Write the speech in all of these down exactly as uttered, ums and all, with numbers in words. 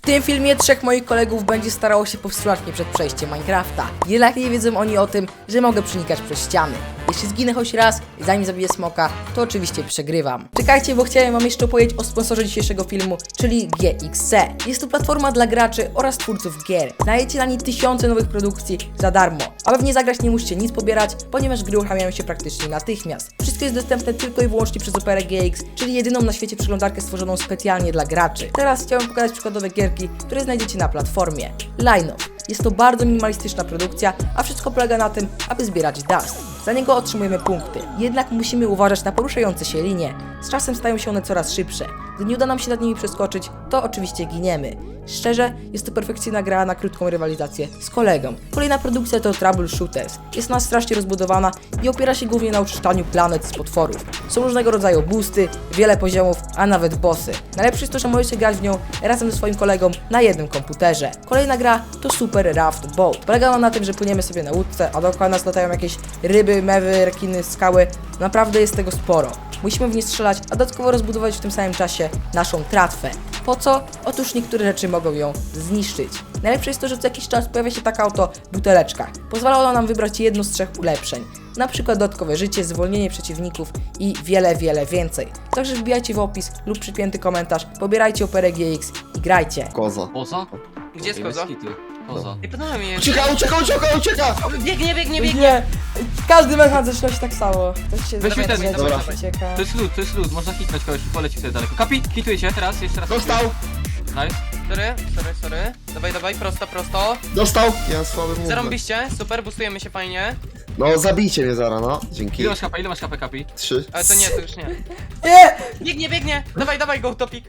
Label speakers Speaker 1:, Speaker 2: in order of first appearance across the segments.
Speaker 1: tym filmie trzech moich kolegów będzie starało się powstrzymać mnie przed przejściem Minecrafta. Jednak nie wiedzą oni o tym, że mogę przenikać przez ściany. Jeśli zginę choć raz i zanim zabiję smoka, to oczywiście przegrywam. Czekajcie, bo chciałem wam jeszcze opowiedzieć o sponsorze dzisiejszego filmu, czyli G X C. Jest to platforma dla graczy oraz twórców gier. Znajdziecie na niej tysiące nowych produkcji za darmo. Aby w nie zagrać, nie musicie nic pobierać, ponieważ gry uruchamiają się praktycznie natychmiast. Wszystko jest dostępne tylko i wyłącznie przez Opera G X, czyli jedyną na świecie przeglądarkę stworzoną specjalnie dla graczy. Teraz chciałem pokazać przykładowe gierki, które znajdziecie na platformie. Line Up. Jest to bardzo minimalistyczna produkcja, a wszystko polega na tym, aby zbierać dust. Za niego otrzymujemy punkty, jednak musimy uważać na poruszające się linie. Z czasem stają się one coraz szybsze. Gdy nie uda nam się nad nimi przeskoczyć, to oczywiście giniemy. Szczerze, jest to perfekcyjna gra na krótką rywalizację z kolegą. Kolejna produkcja to Troubleshooters. Jest ona strasznie rozbudowana i opiera się głównie na uczyszczaniu planet z potworów. Są różnego rodzaju boosty, wiele poziomów, a nawet bossy. Najlepsze jest to, że możecie grać w nią razem ze swoim kolegą na jednym komputerze. Kolejna gra to Super Raft Boat. Polega ona na tym, że płyniemy sobie na łódce, a dookoła nas latają jakieś ryby, mewy, rekiny, skały. Naprawdę jest tego sporo. Musimy w nie strzelać, a dodatkowo rozbudować w tym samym czasie naszą tratwę. Po co? Otóż niektóre rzeczy mogą ją zniszczyć. Najlepsze jest to, że co jakiś czas pojawia się taka oto buteleczka. Pozwala ona nam wybrać jedno z trzech ulepszeń. Na przykład dodatkowe życie, zwolnienie przeciwników i wiele, wiele więcej. Także wbijajcie w opis lub przypięty komentarz, pobierajcie Operę G X i grajcie.
Speaker 2: Koza.
Speaker 3: Poza?
Speaker 4: Gdzie jest koza?
Speaker 3: Poza.
Speaker 4: I podoba mi jest.
Speaker 2: Ucieka, ucieka, ucieka, ucieka!
Speaker 4: Biegnie, biegnie, biegnie!
Speaker 1: Nie, każdy mechan zaczyna się tak samo. Ktoś się
Speaker 3: Weź mi ten,
Speaker 1: zaczyna,
Speaker 2: dobra.
Speaker 1: ucieka.
Speaker 3: To jest lód, to jest lód, można hitnąć kogoś, poleci wtedy daleko. Kapi, hitujecie, teraz, jeszcze raz.
Speaker 2: Dostał!
Speaker 3: Nice.
Speaker 4: Sorry, sorry, sorry. Dawaj, dawaj, prosto, prosto.
Speaker 2: Dostał! Ja słaby mówię.
Speaker 4: Zarąbiście, super, boostujemy się fajnie.
Speaker 2: No zabijcie mnie zaraz, no. Dzięki.
Speaker 3: Ile masz kapa, ile masz kapę, Kapi?
Speaker 2: Trzy.
Speaker 4: Ale to nie, to już nie.
Speaker 1: Nie!
Speaker 4: Biegnie, biegnie! Dawaj, dawaj, go, topik.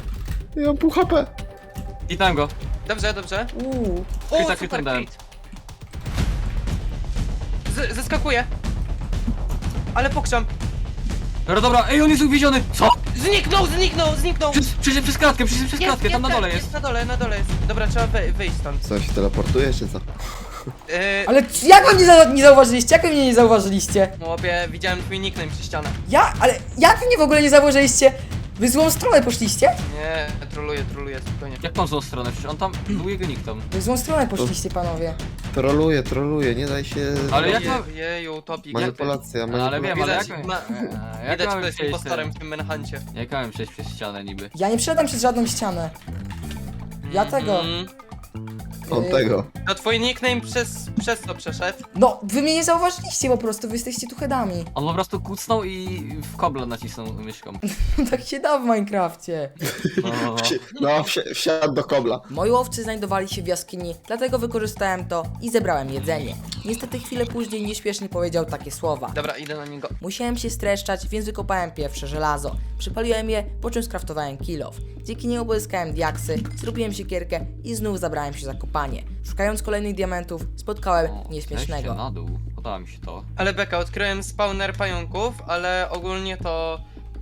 Speaker 2: Ja mam pół H P.
Speaker 3: Hitnąłem go.
Speaker 4: Dobrze, dobrze.
Speaker 1: Uuu.
Speaker 4: O,
Speaker 3: Kryta,
Speaker 4: super,
Speaker 3: kryta dałem.
Speaker 4: crit. Z- Zeskakuje. Ale pokrzam.
Speaker 3: Dobra, dobra, ej, on jest uwieziony! Co?
Speaker 4: Zniknął, zniknął, zniknął!
Speaker 3: Przez, przez, przez kratkę, przez, przez kratkę, tam na dole jest.
Speaker 4: Jest na dole, na dole jest. Dobra, trzeba wy- wyjść stąd.
Speaker 2: Co, się teleportuje, czy co?
Speaker 4: Yy,
Speaker 1: Ale c- jak wy mnie za nie zauważyliście? Jak wy mnie nie zauważyliście?
Speaker 4: Chłopie, widziałem twój nickname przy ścianach.
Speaker 1: Ja? Ale jak wy mnie w ogóle nie zauważyliście? Wy złą stronę poszliście?
Speaker 4: Nie, troluję, troluję, spokojnie.
Speaker 3: Jak mam złą stronę? Przecież on tam, był jego nick tam.
Speaker 1: Wy złą stronę poszliście, panowie.
Speaker 2: Troluje, troluje, nie daj się...
Speaker 3: Ale jak
Speaker 4: Je-
Speaker 3: mam-
Speaker 4: Jeju, topik.
Speaker 2: Manipulacja,
Speaker 3: No, ale wiem,
Speaker 2: manipulacja.
Speaker 3: ale jak...
Speaker 4: Widać, ma-
Speaker 3: Eee, jak
Speaker 4: Widać,
Speaker 3: miałem
Speaker 4: kto jest
Speaker 3: przejść
Speaker 4: impostorem
Speaker 3: ten-
Speaker 4: w tym menhancie.
Speaker 3: Jak miałem przejść przez ścianę niby?
Speaker 1: Ja nie przeszedłem przez żadną ścianę. Ja tego.
Speaker 4: Mm.
Speaker 2: Od tego.
Speaker 4: To twój nickname przez, przez to przeszedł.
Speaker 1: No, wy mnie nie zauważyliście po prostu, wy jesteście tu headami.
Speaker 3: On po prostu kucnął i w kobla nacisnął myszką.
Speaker 1: Tak się da w Minecrafcie.
Speaker 3: No, no, no.
Speaker 2: Wsi- No, wsi- wsiadł do kobla.
Speaker 1: Moi łowcy znajdowali się w jaskini, dlatego wykorzystałem to i zebrałem jedzenie. Niestety chwilę później nieśpiesznie powiedział takie słowa.
Speaker 4: Dobra, idę na niego.
Speaker 1: Musiałem się streszczać, więc wykopałem pierwsze żelazo. Przypaliłem je, po czym skraftowałem kilof. Dzięki niemu pozyskałem diaksy, zrobiłem siekierkę i znów zabrałem się za kopanie. Szukając kolejnych diamentów, spotkałem
Speaker 3: O,
Speaker 1: nieśmiesznego.
Speaker 3: zejście na dół, podoba mi się to.
Speaker 4: Ale beka, odkryłem spawner pająków, ale ogólnie to...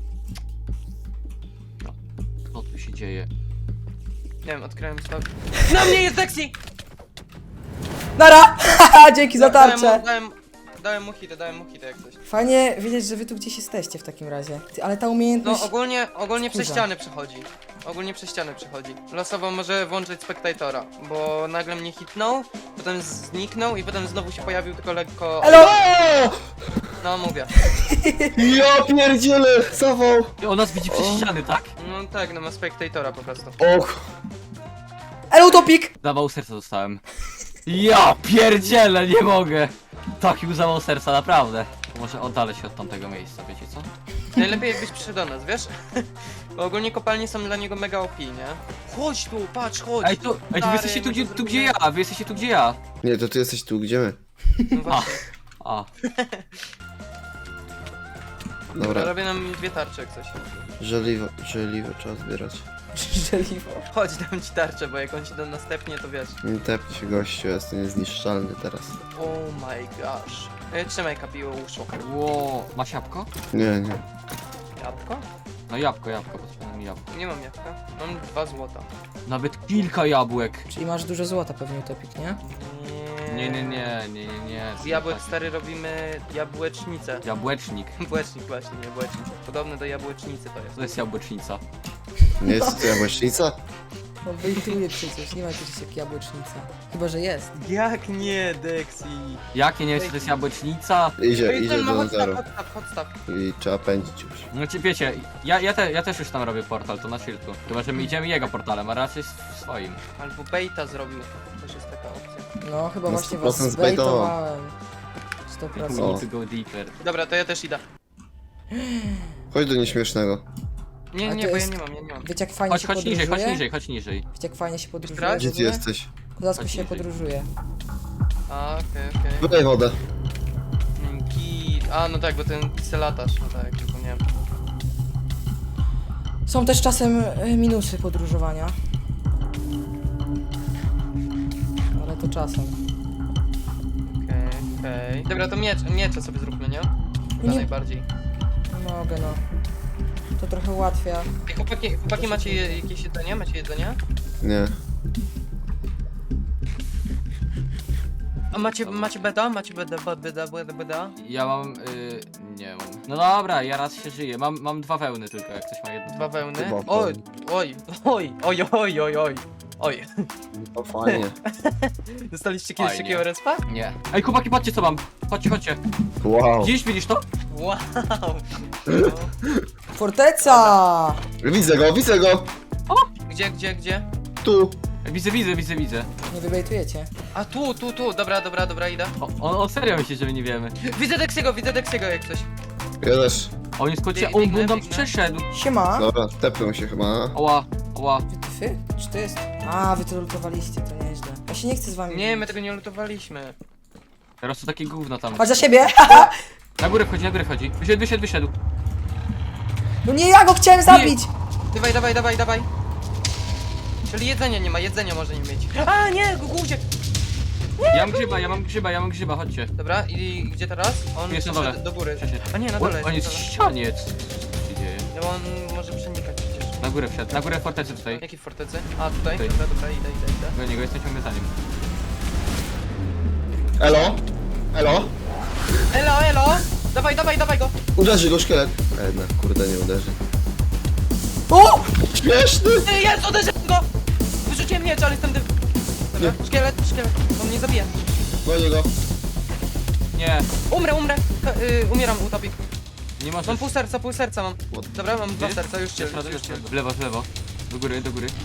Speaker 3: Co tu się dzieje?
Speaker 4: Nie wiem, odkryłem spawner... Na mnie jest Dexy!
Speaker 1: Nara! Haha, dzięki za
Speaker 4: Dałem mu,
Speaker 1: tarczę!
Speaker 4: dałem, dałem mu hity, dałem mu hity jak coś.
Speaker 1: Fajnie wiedzieć, że wy tu gdzieś jesteście w takim razie. Ty, ale ta
Speaker 4: No
Speaker 1: umiejętność...
Speaker 4: ogólnie, ogólnie przez
Speaker 1: Wkurza.
Speaker 4: ściany przechodzi. Ogólnie przez ściany przechodzi. Losowo może włączyć spektatora, bo nagle mnie hitnął, potem zniknął i potem znowu się pojawił tylko lekko...
Speaker 1: Elo!
Speaker 2: O!
Speaker 4: No mówię.
Speaker 2: Ja pierdzielę! Zawał!
Speaker 3: I on nas widzi przez
Speaker 2: O.
Speaker 3: ściany, tak?
Speaker 4: No tak, no ma spektatora po prostu.
Speaker 2: Och!
Speaker 1: Elo, utopik!
Speaker 3: Zawał serca dostałem. Ja pierdzielę, nie mogę! Taki zawał serca, naprawdę. Może oddalę się od tamtego miejsca, wiecie co?
Speaker 4: Najlepiej jakbyś przyszedł do nas, wiesz? Bo ogólnie kopalnie są dla niego mega O P, nie? Chodź tu, patrz, chodź!
Speaker 3: Ej, tu, ej, wy
Speaker 4: Stary,
Speaker 3: jesteście tu
Speaker 4: my
Speaker 3: gdzie,
Speaker 4: to
Speaker 3: tu gdzie
Speaker 4: zrobimy.
Speaker 3: ja, wy jesteście tu gdzie ja.
Speaker 2: Nie, to ty jesteś tu, gdzie my?
Speaker 4: No właśnie.
Speaker 3: A,
Speaker 2: Dobra,
Speaker 4: Robię nam dwie tarcze jak coś.
Speaker 2: żeliwo, żeliwo trzeba zbierać.
Speaker 4: Żeliwo. Chodź, dam ci tarczę, bo jak on ci do następnie, to wiesz.
Speaker 2: Nie tepnij się gościu, jestem niezniszczalny teraz.
Speaker 4: Oh my gosh. E, trzymaj kapiło uszu.
Speaker 3: ło, masz jabłko?
Speaker 2: Nie, nie.
Speaker 4: Jabłko?
Speaker 3: No jabłko, jabłko, potrzebne mi jabłko.
Speaker 4: Nie mam jabłka. Mam dwa złota.
Speaker 3: Nawet kilka jabłek.
Speaker 1: Czyli masz dużo złota pewnie, utopik, nie?
Speaker 3: Nie, nie, nie, nie, nie, nie.
Speaker 4: Z jabłek stary robimy jabłecznicę.
Speaker 3: Jabłecznik.
Speaker 4: Jabłecznik właśnie, nie jabłecznik. Podobny do jabłecznicy to jest.
Speaker 3: To jest jabłecznica.
Speaker 2: Nie jest to jabłecznica?
Speaker 1: On bejtuje przecież, nie ma czegoś jak jabłecznica. Chyba, że jest.
Speaker 4: Jak nie, Dexi?
Speaker 3: Jakie nie wiem, czy to jest jabłecznica?
Speaker 2: Idzie, idzie
Speaker 4: ma
Speaker 2: do
Speaker 4: podstaw,
Speaker 2: zero.
Speaker 4: podstaw, podstaw.
Speaker 2: I trzeba pędzić już.
Speaker 3: No ci wiecie, ja, ja, te, ja też już tam robię portal, to na chillku. Chyba, że my idziemy jego portalem, a raczej w swoim.
Speaker 4: Albo baita zrobił. Też jest taka opcja.
Speaker 1: No, chyba
Speaker 2: Na
Speaker 1: właśnie
Speaker 2: sto
Speaker 1: was
Speaker 2: procent
Speaker 1: zbejtowałem. sto
Speaker 3: We
Speaker 1: procent.
Speaker 2: O.
Speaker 3: need to go deeper.
Speaker 4: Dobra, to ja też idę.
Speaker 2: Chodź do nieśmiesznego.
Speaker 4: Nie,
Speaker 1: A
Speaker 4: nie,
Speaker 1: to
Speaker 4: bo
Speaker 1: jest-
Speaker 4: ja nie mam, ja nie mam.
Speaker 1: Wiecie jak fajnie
Speaker 3: Chodź,
Speaker 1: się
Speaker 3: chodź
Speaker 1: podróżuje?
Speaker 3: niżej, chodź niżej, chodź niżej.
Speaker 1: Wiecie jak fajnie się podróżuje
Speaker 4: Teraz?
Speaker 1: w
Speaker 2: Gdzie ty
Speaker 1: ogóle?
Speaker 2: jesteś?
Speaker 1: Kozacko
Speaker 3: Chodź
Speaker 1: się
Speaker 3: niżej.
Speaker 1: podróżuje.
Speaker 4: A, okej, okej.
Speaker 2: Wydaj wodę.
Speaker 4: Mm, Git. A, no tak, bo ten piselatarz, no tak, zapomniałem.
Speaker 1: Są też czasem e, minusy podróżowania. Ale to czasem.
Speaker 4: Okej, okej. Dobra, to miecz, miecze sobie zróbmy, nie? Chyba
Speaker 1: Nie-
Speaker 4: najbardziej.
Speaker 1: Nie mogę no. To trochę ułatwia.
Speaker 4: Ej, chłopaki, chłopaki macie je, jakieś jedzenie? Macie jedzenie?
Speaker 2: Nie.
Speaker 4: A macie, macie beda? Macie beda, beda, beda, beda, beda?
Speaker 3: Ja mam, y, nie mam. No dobra, ja raz się żyję. Mam, mam dwa wełny tylko, jak ktoś ma jedno.
Speaker 4: Dwa wełny?
Speaker 2: Chyba
Speaker 4: Oj, oj, oj, oj, oj, oj, oj. Oj,
Speaker 2: O fajnie.
Speaker 4: dostaliście kiedyś
Speaker 3: Fajnie.
Speaker 4: takiego respa?
Speaker 3: Nie. Ej, chłopaki, patrzcie co mam. Chodźcie, chodźcie.
Speaker 2: Wow.
Speaker 3: Widzisz, widzisz to?
Speaker 4: Wow. No.
Speaker 1: Forteca!
Speaker 2: Widzę go, widzę go!
Speaker 4: Gdzie, gdzie, gdzie?
Speaker 2: Tu!
Speaker 3: Widzę, widzę, widzę, widzę.
Speaker 1: Nie wybejtujecie.
Speaker 4: A tu, tu, tu, dobra, dobra, dobra, idę.
Speaker 3: O, on, on serio myśli, że my nie wiemy.
Speaker 4: Widzę Dexiego, widzę Dexiego jak coś.
Speaker 2: Ja też.
Speaker 3: On jest kocie,
Speaker 4: Biegnę,
Speaker 3: on, on tam
Speaker 4: biegnę.
Speaker 3: przeszedł.
Speaker 1: Siema!
Speaker 2: Dobra, tepnę się chyba.
Speaker 3: Oła, oła.
Speaker 1: Wy tyfy? Czy to jest? A, wy to lutowaliście, to nieźle. Ja się nie chcę z wami
Speaker 4: Nie, my
Speaker 1: bić.
Speaker 4: tego nie lutowaliśmy.
Speaker 3: Teraz to takie gówno tam.
Speaker 1: Chodź za siebie!
Speaker 3: Na górę wchodzi, na górę wchodzi. Wyszedł, wyszedł, wyszedł.
Speaker 1: No nie, ja go chciałem zabić!
Speaker 4: Dawaj, dawaj, dawaj, dawaj. Czyli jedzenia nie ma, jedzenia może nie mieć. A, nie, Gugu uciekł.
Speaker 3: Ja mam grzyba, ja mam grzyba, ja mam grzyba, chodźcie.
Speaker 4: Dobra, i gdzie teraz? On
Speaker 3: Jest na
Speaker 4: poszedł
Speaker 3: dole.
Speaker 4: do góry.
Speaker 3: Przeszedł.
Speaker 4: A nie, na
Speaker 3: On,
Speaker 4: dole
Speaker 3: on jest
Speaker 4: jest.
Speaker 3: w
Speaker 4: na dole.
Speaker 3: ścianie. Co się dzieje?
Speaker 4: No on może przenikać przecież.
Speaker 3: Na górę wszedł, na górę fortecy tutaj.
Speaker 4: Jakiej fortecy? A, tutaj?
Speaker 3: Tutaj.
Speaker 4: Dobra, dobra, idę, idę, idę.
Speaker 3: Do niego jestem ciągle za nim.
Speaker 2: Elo? Elo?
Speaker 4: Elo, elo! Dawaj, dawaj, dawaj go!
Speaker 2: Uderzy go szkielet. A jednak, kurde, nie uderzy.
Speaker 1: O!
Speaker 2: Śmieszny!
Speaker 4: Ty, jest, uderzyłem go! Wyrzuciłem miecz, ale jestem dy... Dobra, szkielet, szkielet, on mnie zabije.
Speaker 2: Gonię go.
Speaker 3: Nie,
Speaker 4: Umrę, umrę! Ka- y, umieram, utopik.
Speaker 3: nie możesz.
Speaker 4: Mam pół serca, pół serca mam. Dobra, mam dwa
Speaker 3: Gdzie?
Speaker 4: serca, już cię,
Speaker 3: Jeszcze raz,
Speaker 4: już
Speaker 3: jeszcze
Speaker 4: cię.
Speaker 3: raz. W lewo, w lewo. Do góry, do góry.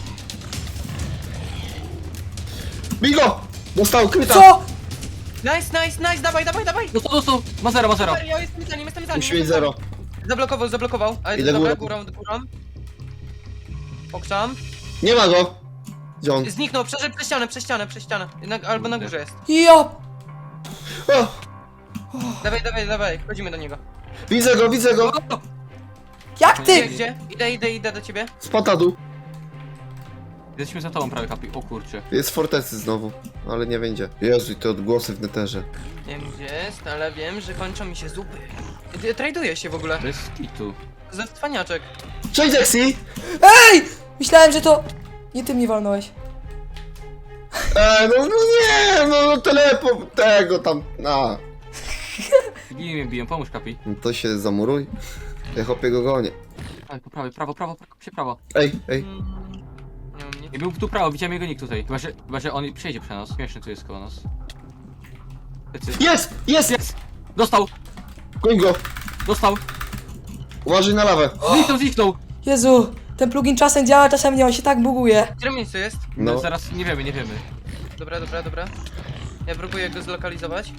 Speaker 2: Bij go! Dostał kryta!
Speaker 1: Co?
Speaker 4: Nice, nice, nice, dawaj, dawaj, dawaj!
Speaker 3: Dostał, dostał! Ma zero, ma zero.
Speaker 4: Ja jestem za nim, jestem za nim.
Speaker 2: Musi mieć
Speaker 4: jestem za nim.
Speaker 2: zero.
Speaker 4: Zablokował, zablokował. A
Speaker 2: Idę
Speaker 4: dobra,
Speaker 2: górą.
Speaker 4: górą, górą. Pokrzam.
Speaker 2: Nie ma go! Gdzie on?
Speaker 4: Zniknął, przeszedł przez ścianę, przez ścianę, przez ścianę. Na, albo na górze jest.
Speaker 1: Ja!
Speaker 2: O!
Speaker 4: Dawaj, dawaj, dawaj, wchodzimy do niego.
Speaker 2: Widzę go, widzę go!
Speaker 1: Jak
Speaker 4: Gdzie,
Speaker 1: ty?
Speaker 4: gdzie? Idę, idę, idę do ciebie.
Speaker 2: Spada dół.
Speaker 3: Jesteśmy za tobą prawie, kapi. O kurczę.
Speaker 2: Jest w fortecy znowu, ale nie będzie. Jezu, i te odgłosy w neterze.
Speaker 4: Nie wiem gdzie jest, ale wiem, że kończą mi się zupy. Y, Traduję się w ogóle.
Speaker 3: Bez kitu.
Speaker 4: Ze cwaniaczek.
Speaker 2: Cześć, Dexy!
Speaker 1: Ej! Myślałem, że to... Nie ty mnie walnąłeś.
Speaker 2: Eee, no, no nie, no, no telepo tego tam, a.
Speaker 3: Bije mnie, biją, pomóż kapi.
Speaker 2: No to się zamuruj. Ja chłopie go gonię.
Speaker 3: Ale po prawej, prawo, prawo, prawo, się prawo.
Speaker 2: Ej, ej.
Speaker 4: Mm, Nie mam nic.
Speaker 3: Nie był tu prawo, widziałem jego nick tutaj. Chyba, że, chyba, że on przejdzie przez nas. Śmieszny tu jest koło nas. Lecy.
Speaker 2: Jest! Jest!
Speaker 3: Jest! Dostał!
Speaker 2: Goń go!
Speaker 3: Dostał!
Speaker 2: Uważaj na lawę.
Speaker 3: Zniknął, zniknął!
Speaker 1: Jezu, ten plugin czasem działa, czasem nie, on się tak buguje.
Speaker 4: W którym miejscu jest?
Speaker 3: No.
Speaker 2: No.
Speaker 3: Zaraz nie wiemy, nie wiemy.
Speaker 4: Dobra, dobra, dobra. Ja próbuję go zlokalizować.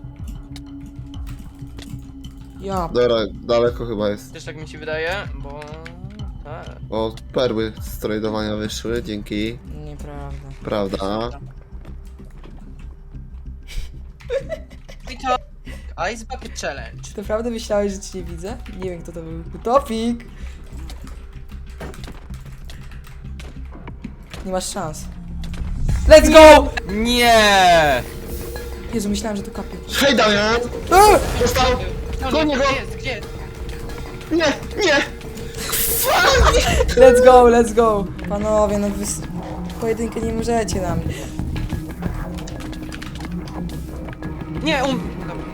Speaker 1: Ja...
Speaker 2: Dobra, daleko chyba jest.
Speaker 4: Też tak mi się wydaje, bo... Tak.
Speaker 2: O, perły z tradowania wyszły, dzięki.
Speaker 1: Nieprawda.
Speaker 2: Prawda.
Speaker 4: I to... Ice Bucket Challenge.
Speaker 1: Czy naprawdę myślałeś, że cię nie widzę? Nie wiem, kto to był. Utopik! Nie masz szans. Let's go!
Speaker 3: Nie!
Speaker 1: Jezu, myślałem, że to kapie.
Speaker 2: Hej, Damian!
Speaker 1: Eee!
Speaker 2: Dostał!
Speaker 4: Gdzie on
Speaker 2: Gonię
Speaker 4: jest?
Speaker 2: go!
Speaker 4: Gdzie jest? Gdzie jest?
Speaker 2: Nie, nie!
Speaker 1: Let's go, let's go! Panowie, no wy... s- Pojedynkę nie możecie na mnie.
Speaker 4: Nie, um... Dobra.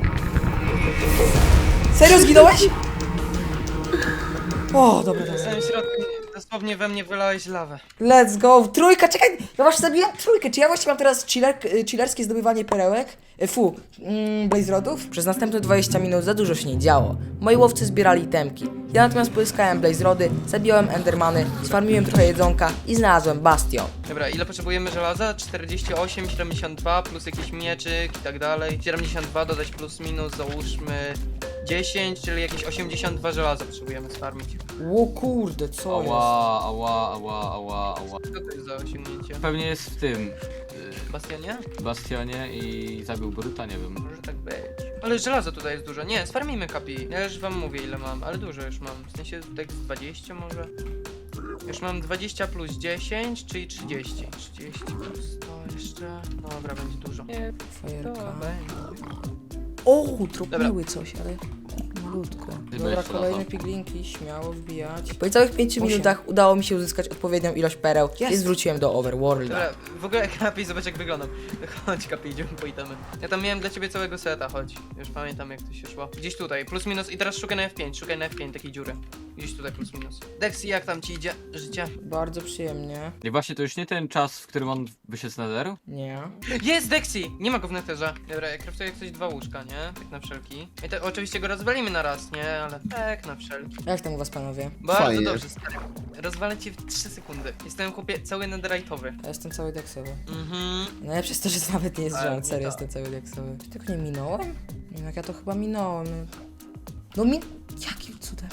Speaker 1: Serio zginąłeś? O, dobra,
Speaker 4: W
Speaker 1: dobra.
Speaker 4: samym środku, Dosłownie we mnie wylałeś lawę.
Speaker 1: Let's go, trójka, czekaj, ja właśnie zabiłem trójkę, czy ja właśnie mam teraz chiller, y, chillerskie zdobywanie perełek? Y, Fu, mm, blaze rodów? Przez następne dwadzieścia minut za dużo się nie działo. Moi łowcy zbierali itemki. Ja natomiast pozyskałem blaze rody, zabiłem endermany, sfarmiłem trochę jedzonka i znalazłem bastion.
Speaker 4: Dobra, ile potrzebujemy żelaza? czterdzieści osiem, siedemdziesiąt dwa plus jakiś mieczyk i tak dalej. siedemdziesiąt dwa dodać plus minus, załóżmy dziesięć, czyli jakieś osiemdziesiąt dwa żelaza potrzebujemy sfarmić.
Speaker 1: O kurde, co jest?
Speaker 3: Ała, ała, ała, ała, ała.
Speaker 4: Co to jest za osiągnięcie?
Speaker 3: Pewnie jest w tym
Speaker 4: Bastionie?
Speaker 3: y, bastionie i zabił Bruta, nie wiem.
Speaker 4: Może tak być. Ale żelaza tutaj jest dużo. Nie, sfarmijmy kapi. Ja już wam mówię ile mam, ale dużo już mam. W sensie tak z dwadzieścia może. Już mam dwadzieścia plus dziesięć, czyli trzydzieści. trzydzieści plus sto jeszcze. Dobra, będzie dużo. Nie, to
Speaker 1: Fajerka.
Speaker 4: będzie.
Speaker 1: O, drobiły coś, ale malutko. Dobra,
Speaker 3: jeszcze
Speaker 1: kolejne
Speaker 3: lata.
Speaker 1: piglinki, śmiało wbijać. Po całych pięciu minutach udało mi się uzyskać odpowiednią ilość pereł i
Speaker 4: Jest.
Speaker 1: zwróciłem do Overworlda.
Speaker 4: Dobra, w ogóle kapi, zobacz jak wyglądam. Chodź kapi, idziemy po itemy. Ja tam miałem dla ciebie całego seta, chodź. Już pamiętam jak to się szło. Gdzieś tutaj, plus minus i teraz szukaj na F pięć, szukaj na F pięć takiej dziury. Gdzieś tutaj plus minus. Dexy, jak tam ci idzie życie?
Speaker 1: Bardzo przyjemnie.
Speaker 3: I właśnie to już nie ten czas, w którym on wyszedł z netheru?
Speaker 1: Nie.
Speaker 4: Jest Dexy! Nie ma go w netherze. Dobra, ja craftuję jak coś dwa łóżka, nie? Tak na wszelki. I to oczywiście go rozwalimy na raz, nie? Ale tak na wszelki.
Speaker 1: Jak tam u was, panowie?
Speaker 4: Bardzo
Speaker 2: Fajnie.
Speaker 4: dobrze, stary. Rozwalę cię w trzy sekundy. Jestem chłopie cały netherite'owy.
Speaker 1: Ja jestem cały deksowy.
Speaker 4: Mhm.
Speaker 1: Najlepsze jest to, że nawet nie jest
Speaker 4: Ale
Speaker 1: żart,
Speaker 4: nie
Speaker 1: serio
Speaker 4: tak.
Speaker 1: jestem cały deksowy. Czy tego nie minąłem? Nie wiem, jak ja to chyba minąłem. No mi... Jakim cudem?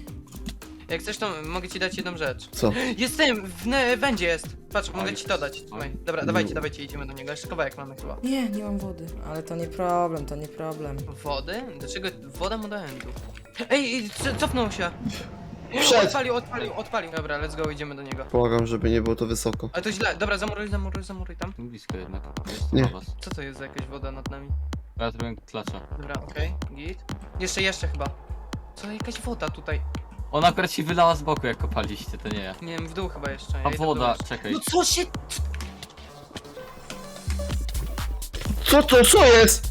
Speaker 4: Jak chcesz, to mogę ci dać jedną rzecz.
Speaker 2: Co?
Speaker 4: Jestem! W ne- wędzie jest! Patrz, mogę
Speaker 3: jest.
Speaker 4: ci to dać. Słuchaj. Dobra, dawajcie, dawajcie, idziemy do niego. Jeszcze kawałek mamy chyba.
Speaker 1: Nie, nie mam wody. Ale to nie problem, to nie problem.
Speaker 4: Wody? Dlaczego woda mu do endu? Ej, ej, co- cofnął się!
Speaker 2: Przed!
Speaker 4: Odpalił, odpalił, odpalił. Dobra, let's go, idziemy do niego.
Speaker 2: Błagam, żeby nie było to wysoko.
Speaker 4: Ale to źle. Dobra, zamuruj, zamuruj, zamuruj tam.
Speaker 3: Blisko jednak. Jest
Speaker 2: Nie.
Speaker 3: na was.
Speaker 4: Co to jest za jakaś woda nad nami?
Speaker 3: Ja trochę klacza.
Speaker 4: Dobra, okej, git. Jeszcze, jeszcze chyba. Co, jakaś woda tutaj?
Speaker 3: Ona akurat się wylała z boku jak kopaliście, to nie ja.
Speaker 4: Nie wiem, w dół chyba jeszcze. Ja
Speaker 3: A
Speaker 4: idę w dół
Speaker 3: woda,
Speaker 4: jeszcze.
Speaker 3: czekaj.
Speaker 4: No co się...
Speaker 2: Co to, co jest?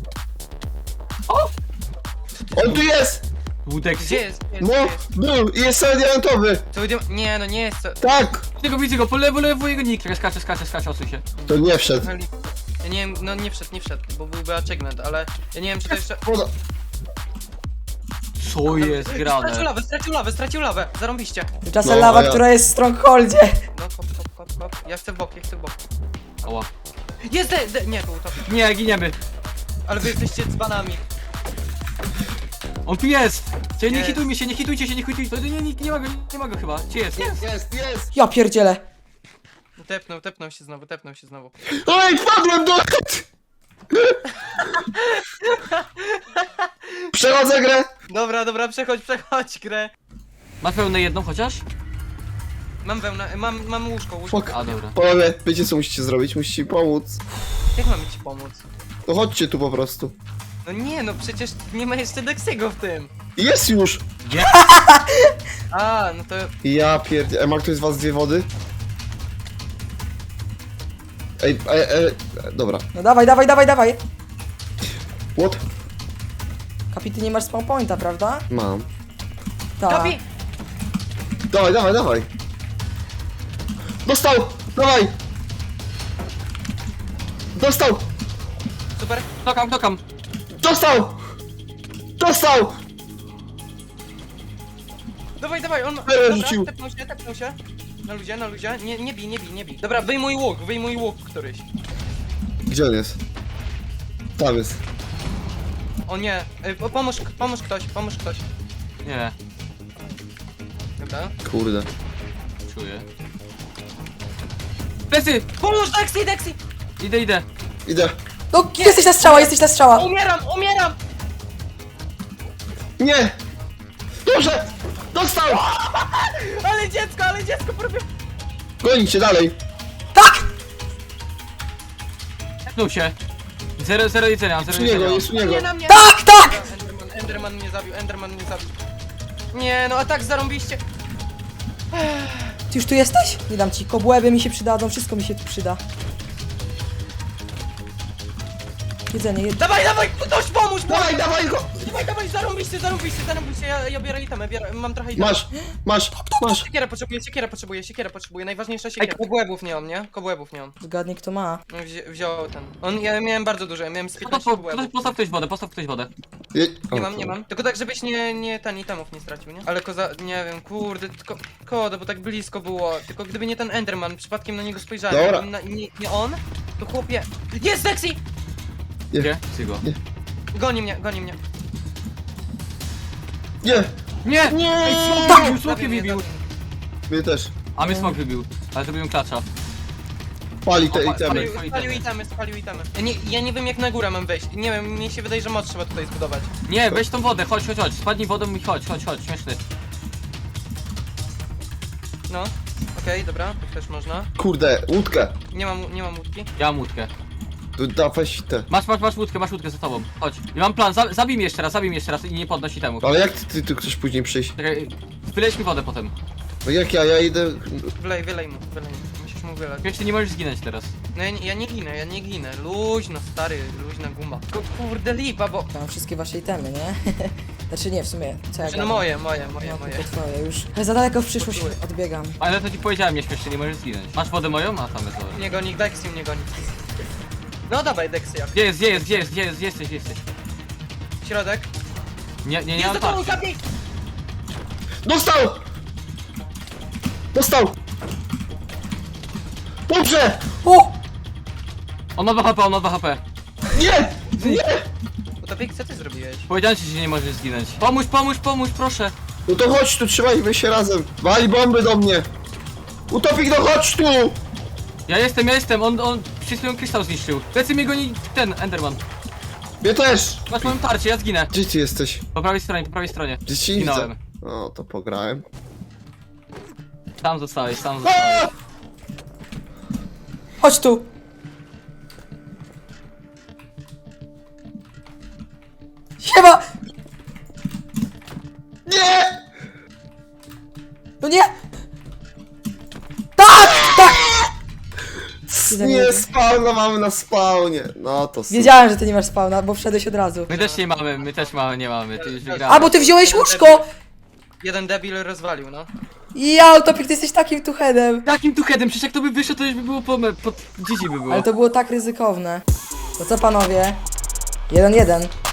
Speaker 2: On tu jest!
Speaker 3: Łódek.
Speaker 4: Gdzie jest? Gdzie jest?
Speaker 2: No,
Speaker 4: Gdzie jest?
Speaker 2: był i jest cały diamentowy!
Speaker 4: To idziemy... Nie, no nie jest to...
Speaker 2: Tak!
Speaker 3: Widzę go, widzę go, po lewo, lewo jego nick. Czekaj, skacze, skacze, skacze, osuń się.
Speaker 2: To nie wszedł.
Speaker 4: Ja nie wiem, no nie wszedł, nie wszedł, bo byłby achievement, ale ja nie wiem czy to jeszcze...
Speaker 2: Woda.
Speaker 3: Co jest
Speaker 4: Stracił
Speaker 3: grane?
Speaker 4: lawę, stracił lawę, stracił lawę, zarąbiście.
Speaker 1: Tymczasem
Speaker 2: No,
Speaker 1: lawa,
Speaker 2: a ja-
Speaker 1: która jest w strongholdzie.
Speaker 4: No, kop, kop, kop, kop. Ja chcę w bok, ja chcę w bok.
Speaker 3: Ała.
Speaker 4: Jest, de, de, nie, to utopik.
Speaker 3: Nie, giniemy.
Speaker 4: Ale wy jesteście dzbanami.
Speaker 3: On tu jest! Cie, nie
Speaker 4: Jest.
Speaker 3: hitujmy się, nie hitujcie się, nie hitujcie. Nie, nie, nie, nie ma go, nie ma go chyba. Gdzie jest? Jest.
Speaker 2: Jest, jest!
Speaker 1: Ja pierdzielę.
Speaker 4: Tepnął, tepnął się znowu, tepnął się znowu.
Speaker 2: Oj, wpadłem do... Przechodzę grę!
Speaker 4: Dobra, dobra, przechodź, przechodź grę.
Speaker 3: Ma pełne jedną chociaż?
Speaker 4: Mam wełnę, mam, mam łóżko, łóżko.
Speaker 2: Fuck.
Speaker 3: A dobra.
Speaker 2: Panowie, wiecie co musicie zrobić? Musicie mi pomóc.
Speaker 4: Jak mamy ci pomóc?
Speaker 2: No chodźcie tu po prostu.
Speaker 4: No nie, no przecież nie ma jeszcze Dexiego w tym.
Speaker 2: Jest już!
Speaker 3: Gdzie?
Speaker 4: A, no to...
Speaker 2: Ja pierdzie... E, ma ktoś z was dwie wody? Ej, e, e, e, dobra.
Speaker 1: No dawaj, dawaj, dawaj, dawaj.
Speaker 2: What?
Speaker 1: Kapi, ty nie masz spawn pointa, prawda?
Speaker 2: Mam.
Speaker 1: Tak.
Speaker 4: Kapi!
Speaker 2: Dawaj, dawaj, dawaj! Dostał! Dawaj! Dostał!
Speaker 4: Super.
Speaker 3: Dokam, dokam.
Speaker 2: Dostał! Dostał!
Speaker 4: Dawaj, dawaj, on...
Speaker 2: Teraz
Speaker 4: Dobra,
Speaker 2: rzucił.
Speaker 4: tepnął się, tepnął się. Na luzie, na luzie. Nie, nie bij, nie bij, nie bij. Dobra, wyjmuj łuk, wyjmuj łuk któryś.
Speaker 2: Gdzie on jest? Tam jest.
Speaker 4: O nie, y, po- pomóż, pomóż ktoś, pomóż ktoś.
Speaker 3: Nie,
Speaker 4: Dobra.
Speaker 2: Kurde.
Speaker 3: czuję. Plecy!
Speaker 4: Pomóż, Dexy, Dexy!
Speaker 3: Idę, idę.
Speaker 2: Idę.
Speaker 1: No, jesteś na strzała, jesteś na strzała.
Speaker 4: Umieram, umieram!
Speaker 2: Nie! Dobrze! Dostał!
Speaker 4: Ale dziecko, ale dziecko, próbuję...
Speaker 2: Gonicie dalej.
Speaker 1: Tak!
Speaker 3: Tepnął się. Zero, zero jedzenia, zero
Speaker 2: Jest u niego,
Speaker 3: jedzenia.
Speaker 2: jest u niego.
Speaker 4: Nie na mnie!
Speaker 1: Tak, tak!
Speaker 4: Enderman, Enderman mnie zabił, Enderman mnie zabił. Nie, no a tak zarąbiście.
Speaker 1: Ty już tu jesteś? Nie dam ci, kobłęby mi się przydadzą, wszystko mi się tu przyda. Jedzenie, jedzenie.
Speaker 4: Dawaj, dawaj, ktoś pomóż, pomóż!
Speaker 2: Dawaj, dawaj go!
Speaker 4: Dawaj, dawaj, zarąbiście, zarąbiście, zarąbiście, ja, ja biorę itemy, biorę, mam trochę itemy.
Speaker 2: Masz, masz, masz.
Speaker 4: Siekierę potrzebuję, siekierę potrzebuję, siekierę potrzebuję, najważniejsza siekiera. Kobłębów nie mam, nie? Kobłębów nie mam.
Speaker 1: Zgadnij kto ma.
Speaker 4: No, wzi wziął ten. On, ja miałem bardzo dużo, ja miałem z
Speaker 3: Po,
Speaker 4: piętnaście
Speaker 3: po,
Speaker 4: kobłębów.
Speaker 3: po, postaw ktoś wodę, postaw ktoś wodę.
Speaker 2: Je...
Speaker 4: Nie
Speaker 2: o,
Speaker 4: mam, nie mam. Tylko tak, żebyś nie, nie ten itemów nie stracił, nie? Ale koza, nie wiem, kurde, tylko koda, bo tak blisko było. Tylko gdyby nie ten Enderman, przypadkiem na niego spojrzałem,
Speaker 2: Dobra.
Speaker 4: gdybym na, nie, nie on, to chłopie. Jest Dexy!
Speaker 3: Gdzie? Sygo.
Speaker 4: Goni mnie, goni mnie.
Speaker 2: Nie,
Speaker 3: Nie!
Speaker 4: Nie!
Speaker 3: Ej, smok wybił, smok
Speaker 4: Zabił mnie,
Speaker 3: wybił.
Speaker 4: zabił.
Speaker 2: mnie też.
Speaker 3: A mnie smok wybił. Ale zrobiłem klacza.
Speaker 2: Pali te
Speaker 3: O, pa-
Speaker 2: itemy.
Speaker 3: pali-
Speaker 4: Spalił, spalił itemy, spalił itemy. Ja nie, ja nie wiem jak na górę mam wejść. Nie wiem, mnie się wydaje, że moc trzeba tutaj zbudować.
Speaker 3: Nie, weź tą wodę, chodź, chodź, chodź. Spadnij wodą i chodź, chodź, chodź, śmieszny.
Speaker 4: No, okej, dobra, tak też można.
Speaker 2: Kurde, łódkę.
Speaker 4: Nie mam, nie mam łódki.
Speaker 3: Ja mam łódkę.
Speaker 2: Tu da weź te.
Speaker 3: Masz, masz, masz łódkę, masz łódkę za tobą. Chodź. I mam plan, za, zabij mnie jeszcze raz, zabij mnie jeszcze raz i nie podnosi temu.
Speaker 2: Ale jak ty, ty tu chcesz później przyjść?
Speaker 3: Czekaj, wyleć mi wodę potem.
Speaker 2: No jak ja, ja idę...
Speaker 4: Wylej, wylej mu, wylej mu. Musisz mu wylać.
Speaker 3: Jeszcze nie możesz zginąć teraz.
Speaker 4: No ja, nie- ja nie ginę, ja nie ginę. Luźno, stary, luźna guma. Tylko kurde lipa, bo...
Speaker 1: Mam wszystkie wasze itemy, nie? Znaczy nie, w sumie, co ja
Speaker 4: No
Speaker 1: gadam?
Speaker 4: moje, moje, moje,
Speaker 1: No
Speaker 4: moje.
Speaker 1: tylko twoje już. Za daleko w przyszłość odbiegam.
Speaker 3: Ale to ci powiedziałem, nie śmiesznie, nie możesz zginąć. Masz wodę moją? A tam jest woda.
Speaker 4: Nie goni, Dexy mnie goni. No dawaj, Dexy jak.
Speaker 3: Gdzie jest, gdzie jest, gdzie jest, gdzie jest, gdzie jesteś, gdzie jesteś?
Speaker 4: Środek.
Speaker 3: Nie, nie, nie
Speaker 4: Jest
Speaker 3: mam
Speaker 4: za tobą,
Speaker 3: tarczy.
Speaker 4: Kapi!
Speaker 2: Dostał! Dostał! Dobrze!
Speaker 1: O!
Speaker 3: On ma dwa H P, on ma dwa H P.
Speaker 2: Nie! Nie!
Speaker 4: Utopik, co ty zrobiłeś?
Speaker 3: Powiedziałem ci, że nie możesz zginąć. Pomóż, pomóż, pomóż, proszę.
Speaker 2: No to chodź tu, trzymajmy się razem. Wali bomby do mnie. Utopik, no chodź tu!
Speaker 3: Ja jestem, ja jestem, on, on przed chwilą krystał zniszczył. Plecy mnie goni ten, Enderman.
Speaker 2: Mnie też!
Speaker 3: Masz moją tarczę, ja zginę.
Speaker 2: Gdzie ty jesteś?
Speaker 3: Po prawej stronie, po prawej stronie.
Speaker 2: Gdzie ci nie widzę?
Speaker 3: Zginąłem.
Speaker 2: O, to pograłem.
Speaker 3: Tam zostałeś, tam zostałeś.
Speaker 2: A!
Speaker 1: Chodź tu! Siema!
Speaker 2: Nie!
Speaker 1: No nie! Tak! Tak!
Speaker 2: Nie, spawna mamy na spawnie. No to super.
Speaker 1: Wiedziałem, że ty nie masz spawna, bo wszedłeś od razu.
Speaker 3: My też nie mamy, my też mamy, nie mamy, ty już wygrałeś.
Speaker 1: A, bo ty wziąłeś łóżko!
Speaker 4: Jeden debil rozwalił, no.
Speaker 1: Ja, Utopik, ty jesteś takim tuchedem.
Speaker 3: Takim tu headem, przecież jak to by wyszło, to już by było po, pod dzieci by było.
Speaker 1: Ale to było tak ryzykowne. To co panowie? Jeden, jeden.